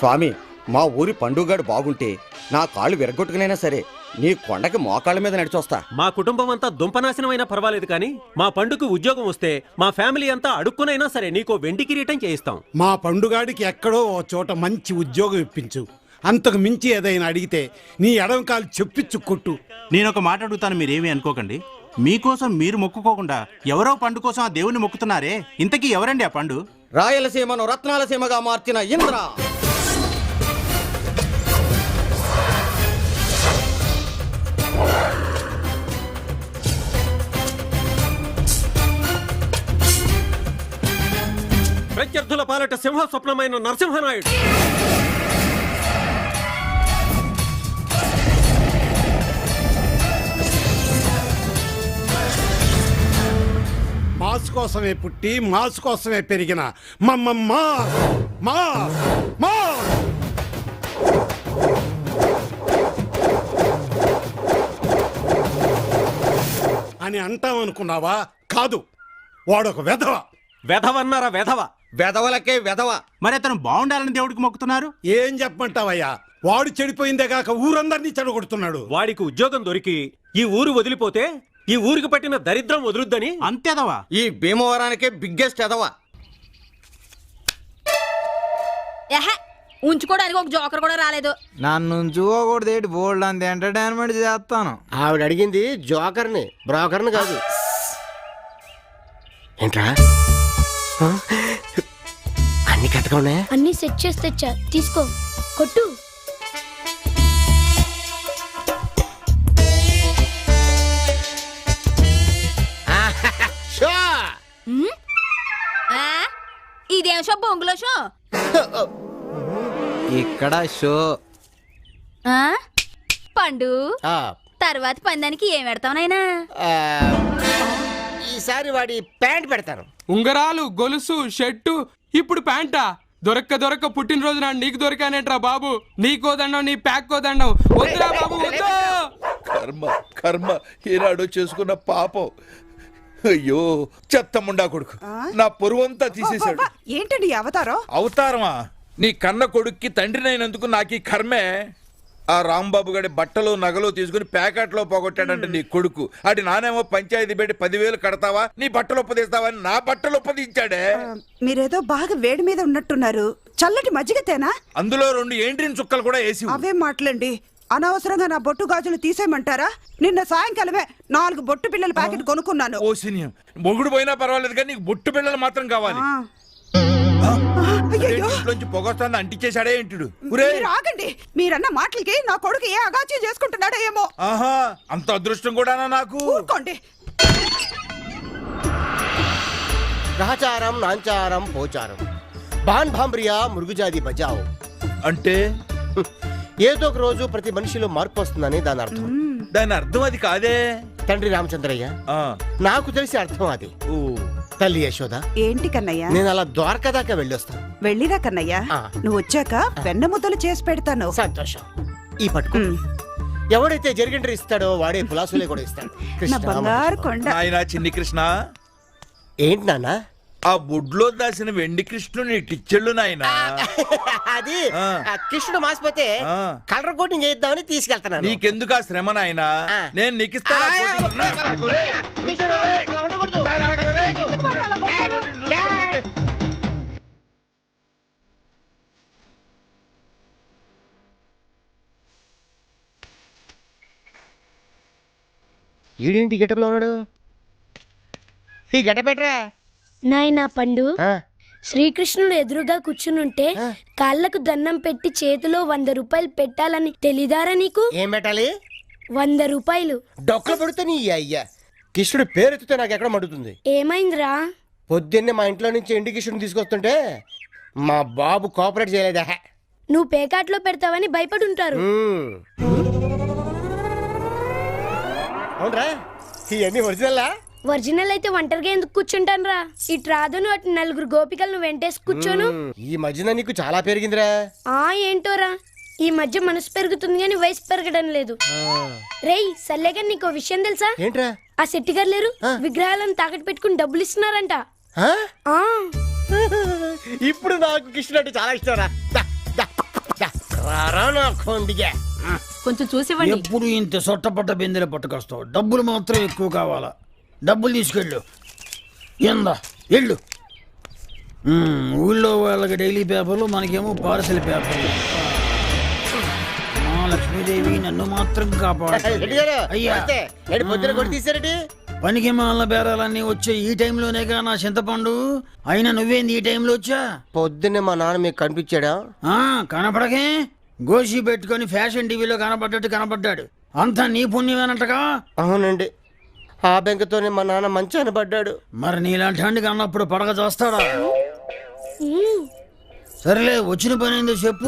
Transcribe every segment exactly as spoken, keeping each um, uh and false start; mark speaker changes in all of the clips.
Speaker 1: స్వామి, మా ఊరి పండుగాడు బాగుంటే నా కాళ్ళు విరగొట్టుకునైనా సరే నీ కొండకి మోకాళ్ళ మీద నడిచొస్తా.
Speaker 2: మా కుటుంబం అంతా దుంపనాశనమైనా పర్వాలేదు కానీ మా పండుకు ఉద్యోగం వస్తే మా ఫ్యామిలీ అంతా అడుక్కునైనా సరే నీకో వెండి కిరీటం చేయిస్తాం.
Speaker 3: మా పండుగాడికి ఎక్కడో ఓ చోట మంచి ఉద్యోగం ఇప్పించు. అంతకు మించి ఏదైనా అడిగితే నీ ఎడమ కాలు చెప్పిచ్చు కొట్టు.
Speaker 4: నేను ఒక మాట అడుగుతాను, మీరేమీ అనుకోకండి. మీకోసం మీరు మొక్కుకోకుండా ఎవరో పండు కోసం ఆ దేవుని మొక్కుతున్నారే, ఇంతకీ ఎవరండి ఆ పండు?
Speaker 1: రాయలసీమను రత్నాలసీమగా మార్చిన ఇంద్ర.
Speaker 2: ప్రత్యర్థుల పాలట సింహ స్వప్నమైన నరసింహనాయుడు.
Speaker 3: మాస్ కోసమే పుట్టి మాస్ కోసమే పెరిగిన మమ్మమ్మ మా మా అని అంటామనుకున్నావా? కాదు, వాడొక వెధవ.
Speaker 2: వెధవన్నారా? వెధవ
Speaker 1: వెధవలకే వెధవ.
Speaker 4: మరి అతను బాగుండాలని దేవుడికి మొక్కుతున్నారు.
Speaker 3: ఏం చెప్పమంటావయ్యా? వాడు చెడిపోయిందే కాక ఊరందరినీ చెడగొడుతున్నాడు.
Speaker 2: వాడికి ఉద్యోగం దొరికి ఈ ఊరు వదిలిపోతే ఈ ఊరికి పట్టిన దరిద్రం వదులుద్దని
Speaker 4: అంతేదవా?
Speaker 1: ఈ భీమవరానికే బిగ్గెస్ట్ ఎదవ.
Speaker 5: ఉంచుకోవడానికి ఒక జోకర్ కూడా రాలేదు.
Speaker 6: నన్ను ఉంచుకోకూడదు, బోల్డ్ అంత ఎంటర్టైన్మెంట్ చేస్తాను.
Speaker 7: ఆవిడ అడిగింది జోకర్ని, బ్రోకర్ని కాదు. ఏంట్రా అన్ని కథగా ఉన్నాయా?
Speaker 8: అన్ని సెట్ చేసి తెచ్చా, తీసుకో, కొట్టు.
Speaker 5: ఇదేం షో? బొంగులో షో.
Speaker 6: ఇక్కడ షో.
Speaker 5: పండు తర్వాత పందానికి ఏం పెడతావు నాయనా?
Speaker 7: ఈసారి వాడి ప్యాంట్ పెడతాను.
Speaker 9: ఉంగరాలు, గొలుసు, షర్టు, ఇప్పుడు ప్యాంటా? దొరక్క దొరక్క పుట్టినరోజు నాడు నీకు దొరికానేట్రా బాబు. నీకోదండం, నీ ప్యాక్ కోదండం. వద్దురా బాబు, వద్దు.
Speaker 10: కర్మ కర్మ ఏనాడో చేసుకున్న పాపం. అయ్యో చెత్తముండా కొడుకు నా పొరువంతా తీసేశాడు.
Speaker 11: ఏంటండి అవతారం?
Speaker 10: అవతారమా? నీ కన్న కొడుక్కి తండ్రినైనందుకు నాకు ఈ కర్మే. ఆ రాంబాబు గడి బట్టలు నగలు తీసుకుని ప్యాకెట్ లో పోగొట్టాడంటే నీ కొడుకు. అటు నానేమో పంచాయతీ పెట్టి పదివేలు కడతావా, నీ బట్టలు ఒప్పదీస్తావని నా బట్టలు ఒప్పదించాడే.
Speaker 11: మీరేదో బాగా వేడి మీద ఉన్నట్టున్నారు. చల్లటి మజ్జిగ తేనా?
Speaker 10: అందులో రెండు ఏంట్రిన్ చుక్కలు కూడా వేసి.
Speaker 11: అవే మాటలండి. అనవసరంగా నా బొట్టు గాజులు తీసేయమంటారా? నిన్న సాయంకాలమే నాలుగు బొట్టు పిల్లల ప్యాకెట్ కొనుక్కున్నాను.
Speaker 10: ఓ సినియం మొగుడు పోయినా పర్వాలేదు కానీ నీకు బొట్టు పిల్లలు మాత్రం కావాలి. పొగొస్తాను అంటించేశాడే ఏంటుడు.
Speaker 11: ఆగండి, మీరన్న మాటలకి నా కొడుకు ఏ అగాచ్యం చేసుకుంటున్నాడో ఏమో.
Speaker 10: ఆహా, అంత అదృష్టం కూడానా నాకు?
Speaker 11: ఊరుకోండి.
Speaker 7: గ్రహచారం, నాంచారం, పోచారం, బాన్ భాంబ్రియా, మృగుజాది బజావ్
Speaker 10: అంటే
Speaker 7: ఏదో ఒక రోజు ప్రతి మనిషిలో మార్పు వస్తుందని దాని అర్థం.
Speaker 10: దాని అర్థం అది కాదే
Speaker 7: తండ్రి రామచంద్రయ్య, నాకు తెలిసి అర్థం అది. తల్లి యశోద,
Speaker 11: ఏంటి కన్నయ్య?
Speaker 7: నేను అలా ద్వారకా దాకా వెళ్ళొస్తాను.
Speaker 11: వెళ్ళిరా కన్నయ్య, నువ్వు వచ్చాక వెన్న ముద్దలు చేసి పెడతాను.
Speaker 7: సంతోషం. ఈ పట్టుకు ఎవడైతే జరిగిండ్రి ఇస్తాడో వాడే పులాసులే కూడా ఇస్తాడు.
Speaker 11: బంగారు కొండ.
Speaker 10: ఆయన చిన్ని కృష్ణ.
Speaker 7: ఏంటి నాన్న?
Speaker 10: ఆ బుడ్లో దాసిన వెండి కృష్ణుని టిచ్చెళ్ళు నాయన.
Speaker 7: అది కృష్ణుడు మాసిపోతే కలర్ కోటింగ్ చేద్దామని తీసుకెళ్తాను.
Speaker 10: నీకెందుకు ఆ శ్రమ నాయన, నేను నీకు ఇస్తాను.
Speaker 7: ఈడేంటి గెటప్లో ఉన్నాడు? ఈ గెటపెట్రా
Speaker 8: నాయనా పండు. శ్రీకృష్ణుడు ఎదురుగా కూర్చునుంటే కాళ్ళకు దండం పెట్టి చేతిలో వంద రూపాయలు పెట్టాలని తెలీదారా నీకు?
Speaker 7: ఏం పెట్టాలి?
Speaker 8: వంద రూపాయలు.
Speaker 7: డొక్కలు పడితే నీ అయ్యా కృష్ణుడు పేరెత్తితే నాకు ఎక్కడ మడుతుంది.
Speaker 8: ఏమైందిరా?
Speaker 7: పొద్దున్నే మా ఇంట్లో నుంచి ఎండి కృష్ణుడు తీసుకొస్తుంటే మా బాబు కోఆపరేట్ చేయలేదా?
Speaker 8: నువ్వు పేకాట్లో పెడతావని భయపడి ఉంటారు.
Speaker 7: అవునరా, ఇవన్నీ ఒరిజినల్లా?
Speaker 8: ఒరిజినల్ అయితే ఒంటరిగా ఎందుకు కూర్చుంటాను రా? ఇటు రాదును అటు నలుగురు గోపికలను వెంటేసి కూర్చోను.
Speaker 7: ఈ మధ్యన నీకు చాలా పెరిగిందిరా.
Speaker 8: ఆ ఏంటోరా, ఈ మధ్య మనసు పెరుగుతుంది కానీ వయసు పెరగడం లేదు. రేయ్ సల్లేగా నీకు విషయం తెలుసా?
Speaker 7: ఏంట్రా?
Speaker 8: ఆ శెట్టి గారు లేరు, విగ్రహాలను తాకట్టు పెట్టుకుని డబ్బులు ఇస్తున్నారంట.
Speaker 7: ఇప్పుడు నాకు కృష్ణుడు అంటే చాలా ఇష్టం రా. రారా నా కొండిగా.
Speaker 5: కొంచెం చూసివ్వండి.
Speaker 12: ఎప్పుడు ఇంత సొట్టపట్ట బిందెలు పట్టుకొస్తావు, డబ్బులు మాత్రం ఎక్కువ కావాలా? డబ్బులు తీసుకెళ్ళు. ఎందా వెళ్ళు. మ్మ్, ఊళ్ళో వాళ్ళకి డైలీ పేపర్లు, మనకేమో పార్సల్ పేపర్లు. మా లక్ష్మీదేవి నన్ను మాత్రం కాపాడు.
Speaker 7: రెడ్డి గారు,
Speaker 12: అయ్యా.
Speaker 7: నమస్తే. రెడ్డి పొద్దున కొట్టి తీసారెడ్డి.
Speaker 12: పనికి మాల బేరాలన్నీ వచ్చే ఈ టైంలోనేగా నా చింతపండు. అయినా నువ్వేంది ఈ టైంలో వచ్చా?
Speaker 7: పొద్దున్నే మా నాన్న మీకు కనిపించాడా?
Speaker 12: ఆ కనపడకే, గోషి పెట్టుకొని ఫ్యాషన్ టీవీలో కనపడ్డట్టు కనపడ్డాడు. అంతా నీ పుణ్యమేనంటగా.
Speaker 7: అవునండి, ఆ బెంకతోనే మా నాన్న మంచాన పడ్డాడు.
Speaker 12: మరి నీలాంటి వాడికి అన్నప్పుడు పడగ చేస్తాడా? సరేలే, వచ్చిన పని ఏందో చెప్పు.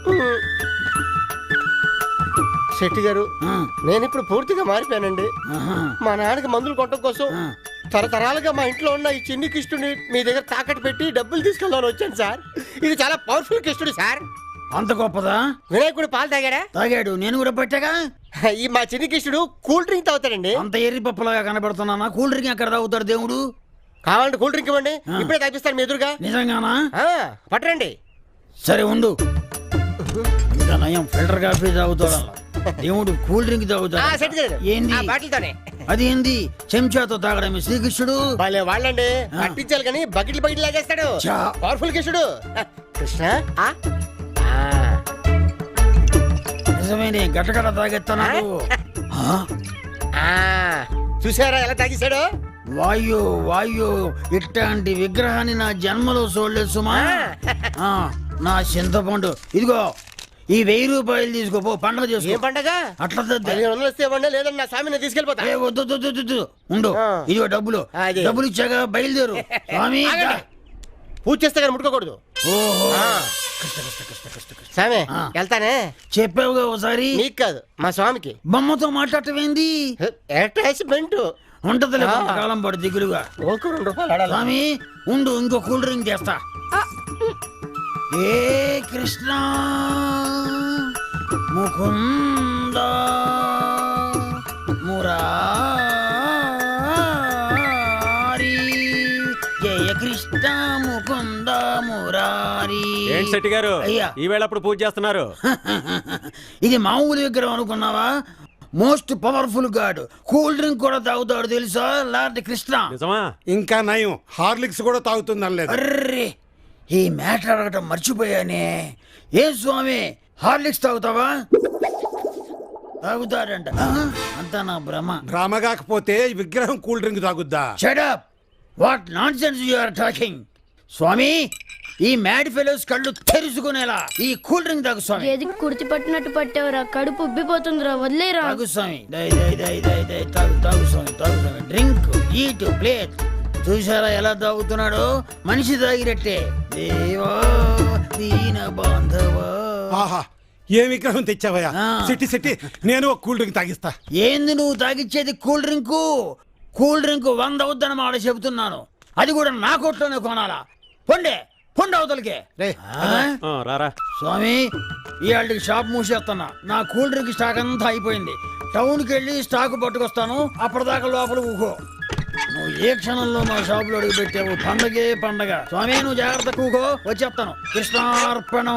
Speaker 7: శెట్టి గారు,
Speaker 12: ఆ,
Speaker 7: నేను ఇప్పుడు పూర్తిగా మారిపోయానండి.
Speaker 12: ఆహా,
Speaker 7: మా నాన్నకి మందులు కొట్టడం కోసం
Speaker 12: ఆ.
Speaker 7: తరతరాలుగా మా ఇంట్లో ఉన్న ఈ చిన్ని కిష్టుని మీ దగ్గర తాకట్టు పెట్టి డబ్బులు తీసుకెళ్దామని వచ్చాను సార్. ఇది చాలా పవర్ఫుల్ కిష్టుడు సార్.
Speaker 12: అంత గొప్పదా?
Speaker 7: వినాయకుడు పాలు తాగాడా?
Speaker 12: తాగాడు, నేను కూడా పట్టాగా.
Speaker 7: ఈ మా చిన్ని కిష్టుడు కూల్ డ్రింక్ తాగుతాడండి.
Speaker 12: అంత ఎర్రి పప్పులాగా కనబడుతున్నానా? కూల్ డ్రింక్ ఎక్కడ తాగుతాడు దేవుడు?
Speaker 7: కావాలంటే కూల్ డ్రింక్ ఇవ్వండి,
Speaker 12: ఆ.
Speaker 7: ఇప్పుడే తాగిస్తాను మీ ఎదురుగా.
Speaker 12: నిజంగానా?
Speaker 7: ఆ, పట్టరండి.
Speaker 12: సరే ఉండు. ఇంకా నయం ఫిల్టర్ కాఫీ తాగుతాడు. దేవుడు కూల్ డ్రింక్
Speaker 7: ఆ, సెట్
Speaker 12: తాగుతాడు.
Speaker 7: చేయదు.
Speaker 12: ఏంది?
Speaker 7: ఆ బాటిల్తోనే.
Speaker 12: అది ఏంది? చెంచాతో తాగడమే శ్రీకృష్ణుడు.
Speaker 7: భలే వాళ్ళండి,
Speaker 12: ఆ.
Speaker 7: పట్టించాలి కానీ బకెట్లు బకెట్లు లాగేస్తాడు.
Speaker 12: చా.
Speaker 7: పవర్ఫుల్ కిష్టుడు. ఆ, కృష్ణ ఆ? ఆ.
Speaker 12: నిజమేనే, గట్టగడ తాగెత్తన్నాడు. ఆ?
Speaker 7: ఆ, చూసారా ఎలా తాగేశాడు?
Speaker 12: వాయు వాయు ఇట్లాంటి విగ్రహాన్ని నా జన్మలో చూడలేదు సుమా. ఆ, నా చింతపండు ఇదిగో, ఈ వెయ్యి రూపాయలు తీసుకోపో, పండుగ
Speaker 7: ఏం
Speaker 12: చేసుకో.
Speaker 7: పండగ?
Speaker 12: అట్లా తద్దే.
Speaker 7: పదిహేను వందలు ఇస్తే ఇవ్వండి, లేదంటే నా స్వామిని తీసుకెళ్ళిపోతా.
Speaker 12: ఏ వద్దు వద్దు, వద్దు, వద్దు. ఉండు,
Speaker 7: ఆ.
Speaker 12: ఇదిగో డబ్బులు.
Speaker 7: అదే.
Speaker 12: డబ్బులు ఇచ్చాక బయలుదేరు. స్వామి
Speaker 7: ఆగండి. పూజ చేస్తే కానీ ముట్టుకోకూడదు.
Speaker 12: ఓహో,
Speaker 7: ఆ. స్వామి
Speaker 12: ఆ.
Speaker 7: వెళ్తానే.
Speaker 12: చెప్పావుగా ఒకసారి.
Speaker 7: నీకు కాదు, మా స్వామికి.
Speaker 12: బొమ్మతో మాట్లాడటమేంది?
Speaker 7: అటాచ్మెంట్
Speaker 12: ఉంటదిలే,
Speaker 7: ఆ.
Speaker 12: కాలం పడు దిగులుగా.
Speaker 7: ఒక రెండు రూపాయలు ఆడాలి.
Speaker 12: స్వామి ఉండు, ఇంకో కూల్ డ్రింక్ చేస్తా. ఏ కృష్ణ ముకుంద మురారి, జయ కృష్ణ ముకుంద మురారి.
Speaker 2: ఏంటి శెట్టి గారు,
Speaker 12: అయ్యా.
Speaker 2: ఈ వేళ అప్పుడు పూజ చేస్తున్నారు?
Speaker 12: ఇది మామూలు విగ్రహం అనుకున్నావా? Most powerful god. Cool drink కూడా తాగుతాడు తెలుసా, లార్డ్ కృష్ణ.
Speaker 2: నిజమా?
Speaker 3: ఇంకా నయం, హార్లిక్స్ కూడా తాగుతుందని లేదు.
Speaker 12: అర్రే, ఈ మ్యాటర్ అడగటం మర్చిపోయానే. ఏ స్వామి, హార్లిక్స్ తాగుతావా? తాగుతాడంట. ఆ, అంతా నా భ్రమ.
Speaker 3: డ్రామా కాకపోతే ఈ విగ్రహం కూల్ డ్రింక్ తాగుద్దా?
Speaker 12: Shut up, what nonsense you are talking. స్వామి, ఈ మ్యాడ్ ఫెలోస్ కళ్ళు తెరుచుకునేలా ఈ కూల్ డ్రింక్ తాగు స్వామి.
Speaker 8: ఏది కుర్తి పట్టినట్టు పట్టావురా, కడుపు ఉబ్బిపోతుందిరా, వదిలేరా.
Speaker 12: తాగు స్వామి, దై దై దై దై దై తాగు తాగు స్వామి, తాగు స్వామి. Drink, eat, plate. చూసారా ఎలా తాగుతున్నాడో? మనిషి తాగినట్టే. దేవా దీన బాంధవా.
Speaker 3: ఆహా, ఏ విగ్రహం తెచ్చావయ్యా?
Speaker 12: ఆ.
Speaker 3: సిట్టి సిట్టి, నేను ఒక కూల్ డ్రింక్ తాగిస్తా.
Speaker 12: ఏంది నువ్వు తాగిచ్చేది? Cool drink. కూల్ డ్రింక్ వంద అవుద్దని మాట చెబుతున్నాను. అది కూడా నా కొట్లోనే కొనాలా? పొండే పొండి అవతలకే.
Speaker 3: రే,
Speaker 12: ఆ?
Speaker 2: ఆ, రారా.
Speaker 12: స్వామి, ఇవాళకి షాప్ మూసేస్తున్నా. నా కూల్ డ్రింక్ స్టాక్ అంతా అయిపోయింది. టౌన్కి వెళ్ళి స్టాక్ పట్టుకొస్తాను. అప్పటిదాకా లోపల ఊహో. నువ్వు ఏ క్షణంలో మా షాపులో అడుగు పెట్టావు, పండగే పండగ. స్వామి, నువ్వు జాగ్రత్త కూకో, వచ్చేస్తాను. కృష్ణార్పణం.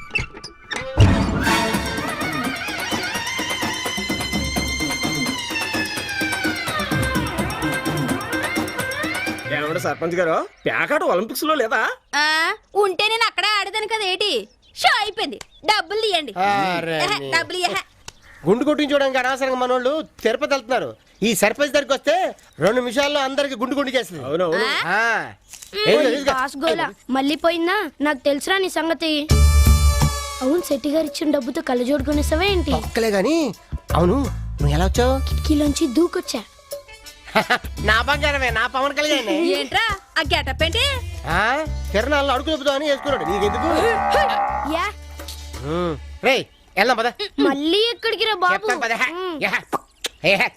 Speaker 1: ఏమంటే సర్పంచ్ గారు, ప్యాకాట ఒలింపిక్స్ లో లేదా?
Speaker 5: ఆ, ఉంటే నేను అక్కడే ఆడదాను కదా. ఏంటి షో అయిపోయింది. డబ్బులు తీయండి.
Speaker 7: అరే
Speaker 5: ఎహె,
Speaker 7: నీ.
Speaker 5: డబ్బులు ఎహె.
Speaker 7: గుండు కొట్టించుకోవడానికి అనవసరంగా మనోళ్ళు తిరుపతి వెళ్తున్నారు. ఈ సర్పంచ్ దగ్గరికి వస్తే రెండు నిమిషాల్లో అందరికి గుండు గుండు చేస్తుంది.
Speaker 1: అవునవును.
Speaker 7: ఆ. ఏం లేదు, ఇదిగో.
Speaker 8: బాస్ గోలా మళ్ళీ పోయిందా? నాకు తెలుసురా నీ సంగతి. అవును, శెట్టి గారు ఇచ్చిన డబ్బుతో కళ్ళజోడు కొనేసావా ఏంటి?
Speaker 7: ఒక్కలే గాని, అవును నువ్వు ఎలా వచ్చావు?
Speaker 8: కిటికీలోంచి దూకొచ్చా.
Speaker 7: నా బంగారమే, నా పవన్ కళ్యాణ్.
Speaker 5: ఏంట్రా ఆ గెటప్ ఏంటి?
Speaker 7: ఆ, తిరణాల్లో అడుగు చెబుతావు అని వేసుకున్నాడు. నీకెందుకు?
Speaker 8: యా,
Speaker 7: రే వెళ్దాం పద.
Speaker 8: మళ్ళీ ఎక్కడికి రా బాబు?
Speaker 7: చెప్తాను పద.
Speaker 8: ఉమ్.
Speaker 7: యా. ఏ హే.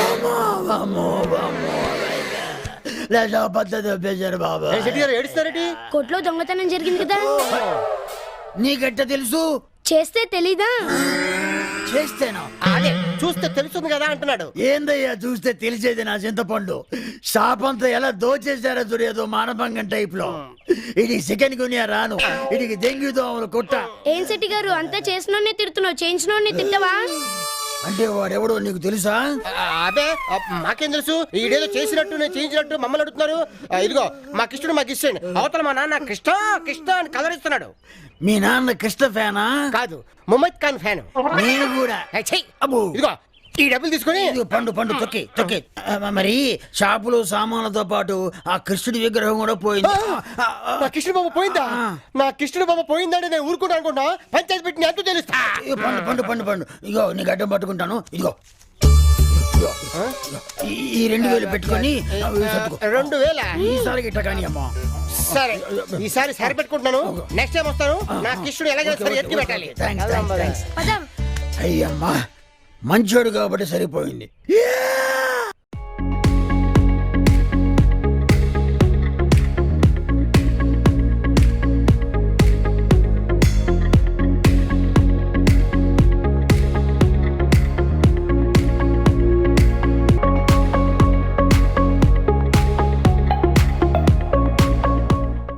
Speaker 12: బాబా,
Speaker 7: ఏ శెట్టి గారు ఏడుస్తారేటి?
Speaker 8: కొట్లో దొంగతనం జరిగింది కదా,
Speaker 12: నీకెట్ట తెలుసు?
Speaker 8: చేస్తే తెలీదా?
Speaker 12: చేస్తేనా?
Speaker 7: అదే చూస్తే తెలుస్తుంది కదా అంటున్నాడు.
Speaker 12: ఏందయ్యా చూస్తే తెలిసేది నా చింతపండు. షాప్ అంతా ఎలా దోచేశారో చూడేదో మానభంగం టైప్ లో. ఇది చికెన్ గునియా రాను, ఇది దెంగి దోమలు కొట్ట.
Speaker 8: ఏం శెట్టి గారు అంతా చేసినోడ్నే తిడుతున్నావు, చేయించినోడ్ని తిట్టవా?
Speaker 12: అంటే వాడెవడో నీకు తెలుసా?
Speaker 7: ఆ, అదే ఆ, మాకేం తెలుసు? ఈడేదో చేసినట్టు నేను చేయించినట్టు మమ్మల్ని అడుగుతున్నారు. ఆ, ఇదిగో మా కృష్ణుడు మాకు ఇష్టండి. అవతల మా నాన్న కృష్ణ కృష్ణ అని కలరిస్తున్నాడు.
Speaker 12: మీ నాన్న కృష్ణ ఫ్యానా?
Speaker 7: కాదు, ముమ్మద్ ఖాన్ ఫ్యాన్.
Speaker 12: నేను కూడా. అబ్బో.
Speaker 7: ఇదిగో ఈ డబ్బులు తీసుకొని
Speaker 12: ఇదిగో పండు పండు తొక్కి తొక్కి. ఆ, మరి షాపులో సామాన్లతో పాటు ఆ కృష్ణుడి విగ్రహం కూడా పోయింది. ఆ, ఆ,
Speaker 7: నా కృష్ణుడు బాబు పోయిందా? నా కృష్ణుడు బాబు పోయిందంటే నేను ఊరుకుంటా అనుకుంటా. పంచాయతీ పెట్టి ఎంతో తెలుస్తా.
Speaker 12: ఇదిగో పండు పండు పండు పండు ఇగో నీకు అడ్డం పట్టుకుంటాను. ఇదిగో ఇదిగో. ఈ- ఈ రెండు వేలు పెట్టుకొని ఆ, సర్దుకో.
Speaker 7: రెండు వేల
Speaker 12: ఈసారి గిట్ట కానీ అమ్మా.
Speaker 7: సరే ఈసారి సరి పెట్టుకుంటున్నాను. నెక్స్ట్ టైం వస్తాను. నా కృష్ణుడు ఎలాగైనా సరే ఎత్తి పెట్టాలి.
Speaker 12: Thanks, thanks, thanks.
Speaker 8: పదం.
Speaker 12: అయ్యమ్మా మంచోడు కాబట్టి సరిపోయింది.